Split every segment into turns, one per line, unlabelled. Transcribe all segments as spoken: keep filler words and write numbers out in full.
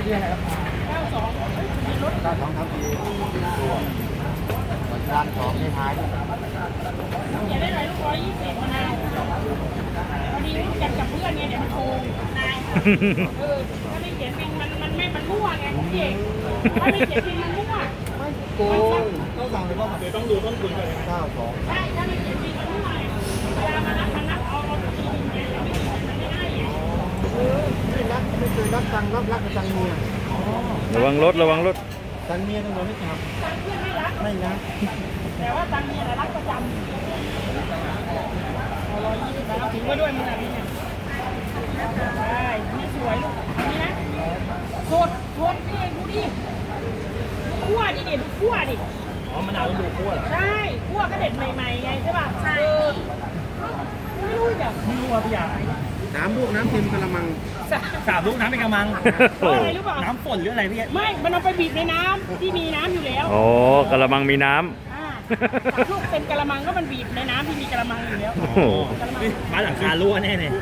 ที่อะไรครับเก้าสองมีรถเก้าสองทำดีตัวเหมือนร้านสองในท้ายอย่าได้เลยลูกร้อยยี่สิบมะนาวพอดีรู้จักกับเพื่อนไงเดี๋ยวมันโกงนายเออถ้าไม่เขียนบินมันมันไม่มันมั่วไงพี่เอกถ้าไม่เขียนบินมันมั่วไม่โกงต้องสั่งเลยว่าเดี๋ยวต้องดูต้นทุนก่อนเก้าสองใช่ถ้าไม่เขียนบินมันมั่วเวลามานับมานับเอาเอาตัวบินเนี่ยไม่เขียนมันไม่ได้ไงเออไม่รักไม่เคยรักตังรับรักกับตังเมีย
ระวังรถระวังรถ
ตังเมียต้องโดนไม่ทำตังเพื่อนไม่รักไม่รักแต่ว่าตังเมียรักประจำเอาร้อยยี่สิบแล้วถึงไว้ด้วยมึงอะไรเนี่ยได้นี่สวยลูกนี่นะโคตรโคตรพี่เองดูดิคั่วดิเด็ดคั่วดิอ๋อมะนาวต้องดูคั่วใช่คั่วก็เด็ดใหม่ๆไงใช่ป่ะใช่ไม่รู้จ้ะไม่รู้ว่าพี่ยาน้ำลูกน้ำเค็มกระมังสามลูกน้ำเป็นกระมังอะไรรู้ป่ะน้ำฝนหรืออะไรพี่ไม่มันเอาไปบีบในน้ำที่มีน้ำอยู่แล้ว
โอ้กระมังมีน้ำ
สามลูกเป็นกระมังก็มันบีบในน้ำที่มีกระมังอยู่แล้วมาหลังคารั่วแน่เลย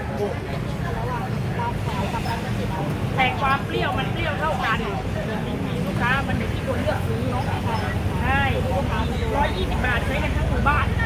แต่ความเปรี้ยวมันเปรี้ยวเท่ากันลูกค้ามันอยู่ที่คนเลือกซื้อเนาะใช่ร้อยยี่สิบบาทใช้กันทั้งหมู่บ้าน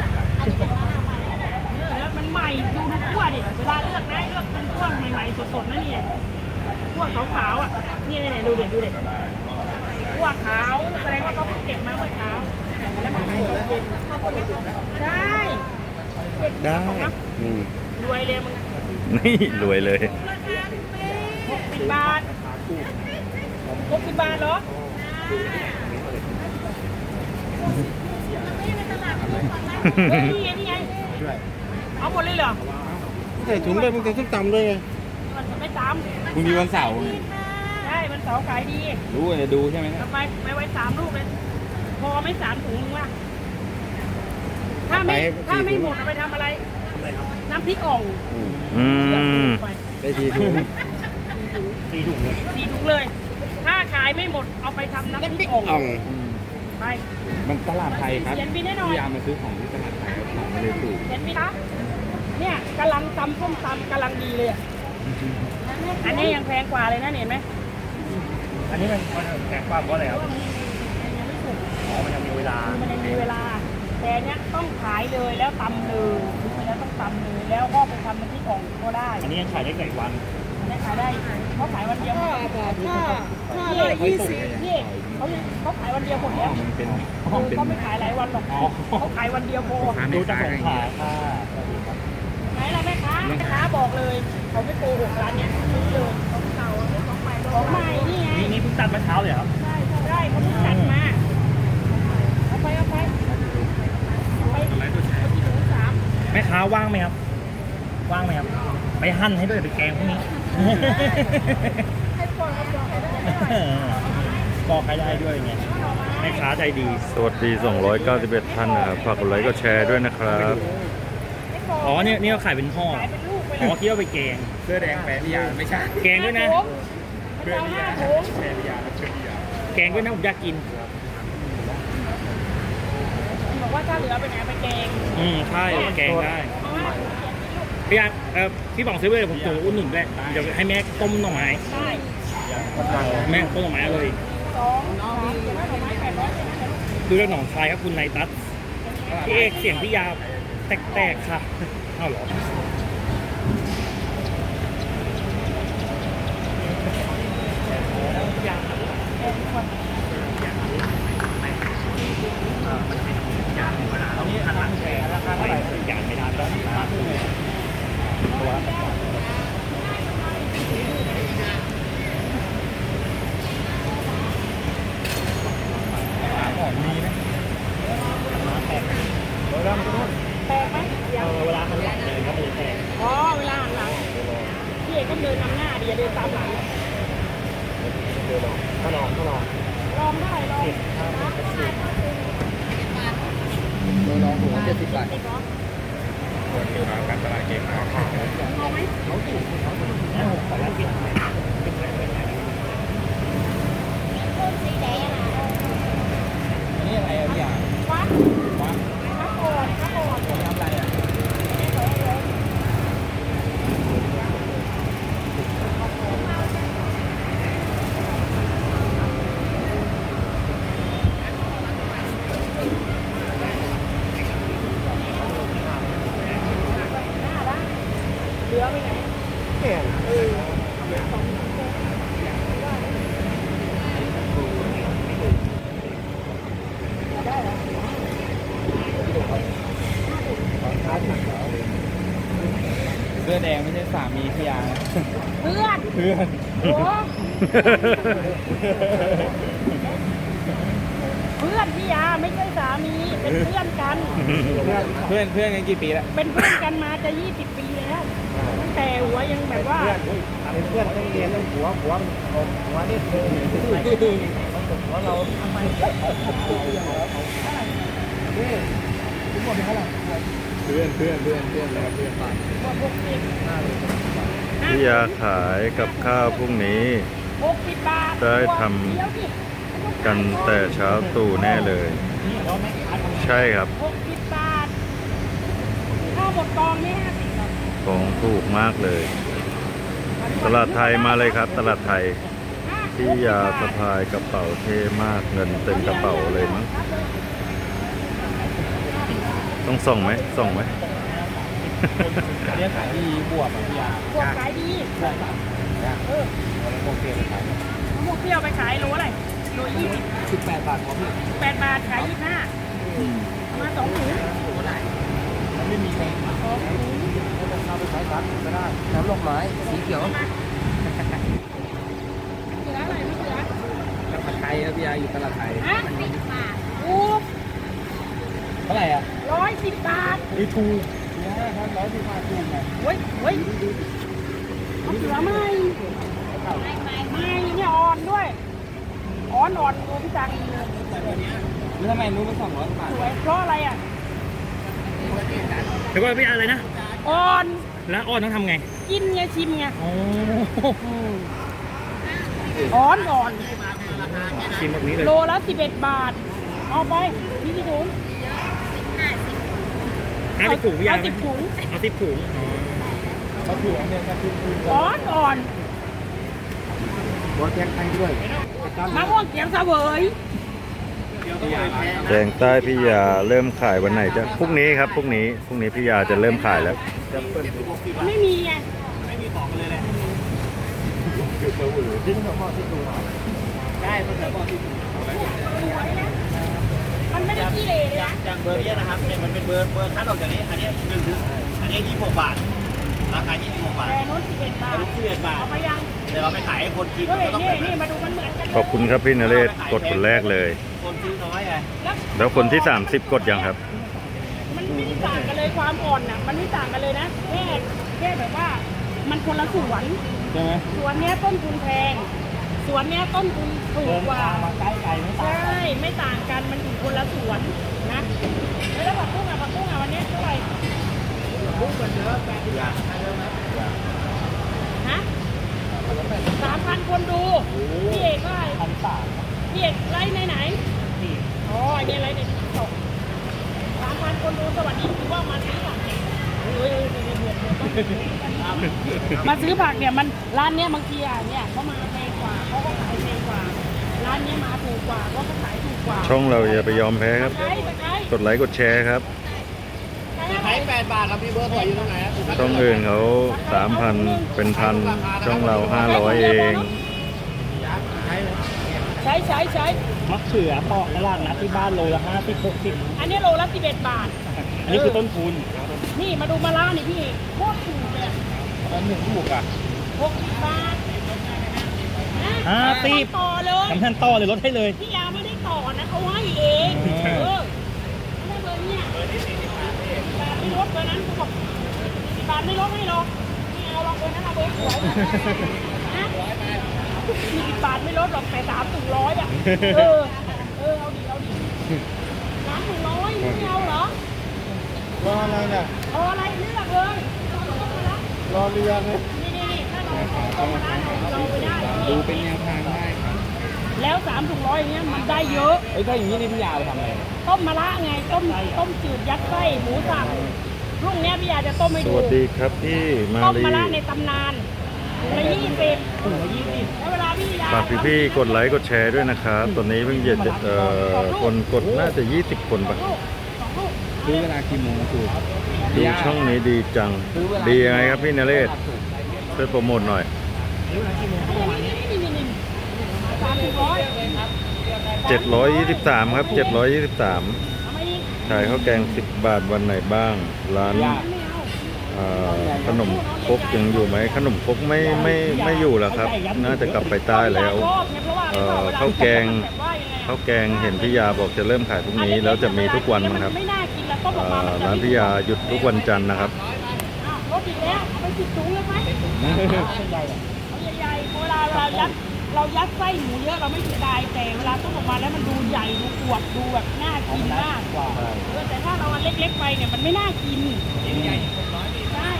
แล้วมันใหม่ดูดูขั้วดิเวลาเลือกนะเลือกเป็นขั้วใหม่ๆสดๆนะเนี่ยขั้วขาวๆอ่ะนี่เนี่ยดูเด็ดดูเด็ดขั้วขาวแสดงว่าเขาเก็บมาเมื่อเช้าแล้วมันขายตอนเย็นใช่
ได้
รวยเลยมึง
นี่รวยเลย
หกสิบบาทหกสิบบาทเหรอนี่ไงนี่ไงเอาหมดเลยเหรอ
ใส่ถุงเลยมึงจะต้องตำด้วยไง
มันไม่ตำ
มึงมีวันเสาร์
ใช่วันเสาร์ขายดี
รู้จะดูใช่ไหม
ทำไมไม่ไว้สามลูกเลยพอไม่สามถุงมึงว่าถ้าไม่ถ้าไม่หมดเอาไปทำอะไรน้ำพริกอ่อง
อืม
ได้ทีถุง
สี่ถุงเลยสี่ถุงเลยถ้าขายไม่หมดเอาไปทำน้ำพริกอ่องไป
มันตลาดไทยครับ
พี่
ยามาซื้อของที่ตลาดไทยของไม่ได้ถูก
เห็นไหมคะเนี่ยกำลังตำส้มตำกำลังดีเลยอันนี้ยังแพงกว่าเลยนะเห็นไหม
อันนี้มันแพงกว่าเพราะอะไรครับอ๋อมันยังมีเวลา
มันยังมีเวลาแต่เนี้ยต้องขายเลยแล้วตำเลยแล้วต้องตำเลยแล้วก็ไปทำมันที่กล่องก็ได้
อันนี้ยังขายได้กี่วัน
ได้ขายได้เขาขายวันเดียว
ห้าบาทห้าห้าร้อยยี่สิบ
นี่เขาเขาขายวันเดียวหมดแล้ว
มันเป็น
เขาไม่ขายหลายวันหรอกเขาขายวันเดียวพอ
ดูจากสงขลาค่ะ
ไหนล่ะแม่ค้าแม่ค้าบอกเลยเขาไม่โกหกร้านเนี้ยซื้อเลยของเก่าของใหม่ของใหม่นี่ไง
นี่นี่เพิ่งตัดเมื่อเช้าเลยครับ
ใช่ใช่เขาเพิ่งตัดมาเอาไปเอาไปไปที่ถุงสาม
แม่ค้าว่างไหมครับว่างไหมครับไปหั่นให้ด้วยไปแกงพวกนี้
ให้ปอกปอกให้ได้
ปอกให้ได้ด้วยไงแม่ค้าใจดี
สวัสดีสองร้อยเก้าสิบเอ็ดท่านนะครับฝากกดไลค์ก็แชร์ด้วยนะครับ
อ๋อเนี่ยนี่เขาขายเป็นห่ออ๋อคิดว่าไปแกง
เสื้อแดงแปะยาไม่ใช่
แกงด้วยนะ
เสื้อห้าถุง
แปะยาแล้วเชือกยา
แกงด้วยนะผมอยากกิน
บอกว่าถ้าเหลือไปไหนไปแกง
อืมใช่แกงได้พี่อาเออพี่บอกซื้อไปเลยผมตัวอุ่นหนุนด้วยเดี๋ยวให้แม่ต้มหน่อไม้
ใช่
แม่ต้มหน่อไม้เลย
สองสามหน่อไม้แปดร้อย
ดูเรื่องหนองคายครับคุณนายตั๊ดพี่เอกเสียงพี่ยาแตกๆค่ะอ้าวเหรอนี่อันนั้นแพงราคาเท่าไหร่อย่างไม่นานแล้วตัวของมีไหมแพงเวลามันก็
แพงไหม
เวลาหันหลังเลยครับมันแพง
อ๋อเวลาหันหลังพี่เอกก็เดินนำหน้าดีเดินตามหลัง
ถ้าลองถ้าลอง
ลองได้ลอง
ลองหัวเจ็ดสิบบาท
คนที่มาการตลาดเก่งมาก
ลองไหม
เขาถูกเขาถูกนะขอรับกินนี่อะไรอ่ะพี่อ่ะ
วัดวัดข้าวโพดข้าวโพด
ทำอะไรอ่ะ
เหลือไปไหน
แก่เสื้อแดงไม่ใช่สามีพี่ยา
เพื่อน
เพื่อน
โอ้เพื่อนพี่ยาไม่ใช่สามีเป็นเพื่อนกัน
เพื่อนเพื่อนกันกี่ปีแล้ว
เป็นเพื่อนกันมาจะยี่สิบปีแล้วตั้งแต่หัวยังแบบว่า
เป็นเพื่อนต้องเรียนต้องหัวหัวหัวนี่คือหัวเราทำไมเพื่อนเพื่อนเพื่อนเพื่อนแล้วเพื่อนไป
พี่ยาขายกับข้าวพรุ่งนี้
หกสิบบาท
ได้ทำ
เดี๋ยวสิ
กันแต่เช้าตรู่แน่เลย ใช่ครับ
หกสิบบาทข้าวหมดกองนี่ห้าสิบบาท
ของถูกมากเลย ตลาดไทยมาเลยครับ ตลาดไทยพี่ยาสะพายกระเป๋าเท่มากเงินเต็มกระเป๋าเลยมั้งต้องส่งไหมส่งไหม
เรียกขายดีบวบอ่ะพี่ยา
พวกขายดี
ใช่ครับเออโอเคเลยขาย
พวกเปรี้ยวไปขายโลอะไรโลยี่สิบ
สิบแปดบาทพอพี่
แปดบาทขายยี่สิบห้าเอามาสองถุง
ไม่มีใคร
สองถุง
เอาไปใช้ซักก็ได้น้ำลงไม้สีเขียว
เหลืออะไรไม่เหลือ
ตลาดไทยครับพี่ยาอยู่ตลาดไทย
ฮะสิบบาทถูก
เท่าไหร่อ่ะ
ร้อยสิบบาท
ดีถูกพี่ยาครับร้อยสิบบาทถูกไง
เฮ้ยเฮ้ยมะเขือไม่ไม่เนี่ยอ่อนด้วยอ่อนอ่อนดูพี่จังเลย
แล้วทำไมนู้นมันสองร้อยบาท
สวยเพราะอะไรอ่ะ
เดี๋ยวก่อนพี่อะไรนะ
อ่อน
แล้วอ้อนต้องทำไง
กินไงชิมไง
โอ้
อ่อนอ่อน
ชิมแบบนี้เลย
โลละสิบเอ็ดบาท เอาไปนี่กี่ถุง
ห้าสิบถุงพี่ยา
เอาสิบถุง
เอาสิบถุง
เขาถูกอันเนี้ยก็คือคือ
อ่อนอ่อน
หัวแกงไทยด้วย
มะม่วงเขียวเสวย
แดงใต้พี่ยาเริ่มขายวันไหนจะพรุ่งนี้ครับพรุ่งนี้พรุ่งนี้พี่ยาจะเริ่มขายแล้ว
ไม่มีไง
ได้เพื่อนบอกที่ถูก
มันไม่ได้ขี้เหร่เลยนะ
อย่างเบอร์เนี้ยนะครับเนี่ยมันเป็นเบอร์เบอร์คัดออกจากนี้ อันนี้หนึ่งถึงอันนี้ยี่สิบหกบาท ราคายี่สิบหกบาท
แต่นู้นสิบเอ็ดบาท
อันนี้สิบเอ็ดบาท
เอาไปยัง
แต่เราไปขายให้คนกิน
เฮ้ย
ก็ต้อง
นี่
แบบ
นี่
นั้น
มาดูมันเหมือนกันเลย
ขอบคุณครับพี่นเรศกดคนแรกเลย
คนซื้อน้อยไง
แล้ว
แล้วคนที่สามสิบกดยังครับ
มันไม่ได้ต่างกันเลยความอ่อนน่ะ มันไม่ต่างกันเลยนะแค่แค่แบบว่า มันคนละสวน
ใช่ไหม
สวนเนี้ยต้นทุนแพง สวนเนี้ยต้นทุนถูกกว่า
มาใกล้ไก่ไม่ต่าง
ใช่ ไม่ต่างกัน มันอยู่คนละสวนนะ แล้วผักบุ้งอ่ะผักบุ้งอ่ะวันนี้เท่าไหร่บุ้งเหมือนเดิมฮะสามพันคนดู พี่เอกว่า
พันสาม
พี่เอกไลฟ์ในไหนอ๋อไอเนี่ยไลฟ์ในติ๊กต็อกสามพันคนดูสวัสดีคือว่ามาซื้อผักเนี่ยเฮ้ยเดือดเดือดเดือดมาซื้อผักเนี่ยมันร้านเนี้ยบางทีอ่ะเนี่ยเขามาแพงกว่าเขาก็ขายแพงกว่า ร้านเนี้ยมาถูกกว่าเขาก็ขายถูกกว่า
ช่องเราอย่าไปยอมแพ้ครับ
ใช่ใช่
กดไลค์กดแชร์ครับ
ขายแปดบาทครับพี่เบอร์ถอยอยู่ตรงไหนครับ
ช่องอื่นเขาสามพันเป็นพันช่องเราห้าร้อยเอง
ใช้ใช้ใช้
มะเขือปอกตลาดนัดที่บ้านโลละห้าสิบหกสิบ
อันนี้โลละสิบเอ็ดบาท
อันนี้คือต้นทุน
นี่มาดูมะระนี่พี่เอกโคตรถูกเลยอะ
อันหนึ่งถูกอ่ะ
หกสิบบาท
ห้าสิบ
ต่อเลย
ทำท่านต่อเลยลดให้เลย
พี่ยาไม่ได้ต่อนะเขาให้เองเออไม่เบอร์เนี่ยบาทไม่ลดเบอร์นั้นเขาบอกสิบบาทไม่ลดให้หรอกไม่เอาหรอกเบอร์นั้นเอาเบอร์สวยนะมีสิบบาทไม่ลดหรอกแต่สามถึงร้อยอ่ะเออเออเอาดิเอาดิสามถึงร้อยไม่เอาเหรอ
รออะไรเนี่ย
เอาอะไรเลือกเลย
รอเรือเลย
นี่นี่นี่ถ้าเราเอามาได้เราไปได้
ดูเป็นแนวทางได้ครับ
แล้วสามถึงร้อยอย่างเงี้ยมันได้เยอะ
เอ้ยถ้าอย่างนี้นี่พี่ยาไปทำอะไร
ต้มมะระไงต้มต้มจืดยัดไส้หมูสับพรุ่งนี้พี่ยาจะต้มให้
ส
ดู
วัสดีครับพี่มา
ต้ม
ลี
มะระในตำนานถุงละยี่สิบถุงละยี่สิบแล้วเวลาพี่ยา
ฝากพี่ๆกดไลค์กดแชร์ด้วยนะครับตอนนี้เพิ่งจะเอ่อคนกดน่าจะยี่สิบคนปะ
ลูกสองลูก
ซื้อเวลากี่โมงถูก
น
ดูช่องนี้ดีจัง ดียังไงครับพี่นเรศช่วยโปรโมทหน่อย
สามสิบร้อย
เจ็ดร้อยยี่สิบสามครับเจ็ดร้อยยี่สิบสาม
เอามาอีก
ขายข้าวแกงสิบบาทวันไหนบ้าง ร้าน
ไม่เอา
เอ่อขนมครกยังอยู่ไหมขนมครกไม่ไม่ไม่อยู่แล้วครับ น่าจะกลับไปใต้แล้ว เอ่อข้าวแกง ข้าวแกงเห็นพี่ยาบอกจะเริ่มขายพรุ่งนี้แล้วจะมีทุกวันมั้งครับ
ไม่น่ากินแล้วต้มออก
เอ่
มา
อ
มันจะ
ร้านพี่ยาหยุดทุกวันจันทร์นะครับ
อ้าวรถอีกแล้วเอาไปสิบถุงเลยไหมเอาใหญ่ๆเวลาเรายัดเรายัดไส้หมูเยอะเราไม่เสียดายแต่เวลาต้มออกมาแล้วมันดูใหญ่ดูอวบดูแบบน่ากินมากกว่าแต่ถ้าเราอันเล็กๆไปเนี่ยมันไม่น่ากินใช่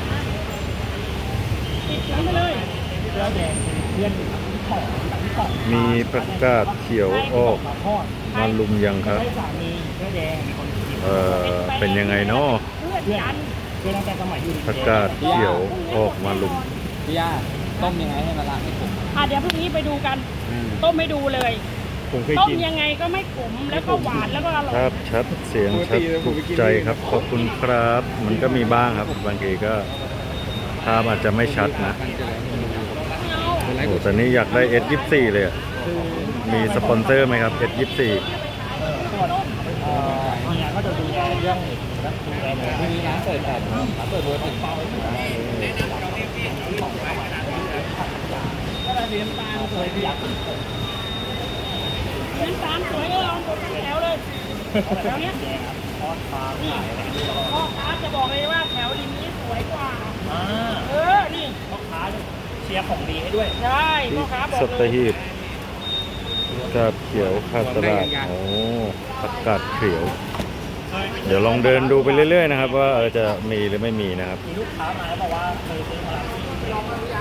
ติดถุงไปเลย
เสื้อแดงเพื่อนของของ
มีผักกาดเขียวออก
ทอด
มาลุมยังครับ
ให้สามีเสื้อแดงมีคนกิน
เอ่อเป็นยังไงเนาะ
เพื่อนกัน
เพื่อนตั้งแต่สมัยอยู่
ผักกาดเขียวออกมาลุม
พี่ย่าต้มยังไงให้มันละไม่ขม
อ่ะเดี๋ยวพรุ่งนี้ไปดูกัน ต้มไม่ดูเลย
ผมเคย
ต้ม
กิน
ยังไงก็ไม่ขมแล้วก็หวานแล้วก็อร่อย
ภาพชัดเสียงชัดถูกใจครับขอบคุณครับ มันก็มีบ้างครับ บางทีก็ภาพอาจจะไม่ชัดนะ
ไม่เอา
โอ้แต่นี่อยากได้ เอส ยี่สิบสี่ เลยอะมีสปอนเซอร์ไหมครับ เอส ยี่สิบสี่
เอ่อเนี่ยก็จะดูแลเรื่องรักดูแลเลย
พรุ่งนี้ร้านเปิดแปดโมงครับเปิดเบอร์ติดเป้า
ก็เลยเรียนตามเคยอยาก
น้ำตาลสวยเออเอาหมดทั้งแถวเลยแถวเนี้ย
ทอดปลา
นี่พ่อค้าจะบอกเลยว่าแถวริมนี้สวยกว่า
อ่า
เออ นี่
พ่อค้าเชียร์ของดีให้ด้วย
ใช่พ่อค้าบอก
สัต
เลย
หีบผักกาดเขียวขาดตลาดโอ้ผักกาดเขียว เดี๋ยวลองเดินดูไปเรื่อยๆนะครับ ว่าเออจะมีหรือไม่มีนะครับ
มีลูกค้ามาแล้วบอกว่าเคยซื้อมาแล้ว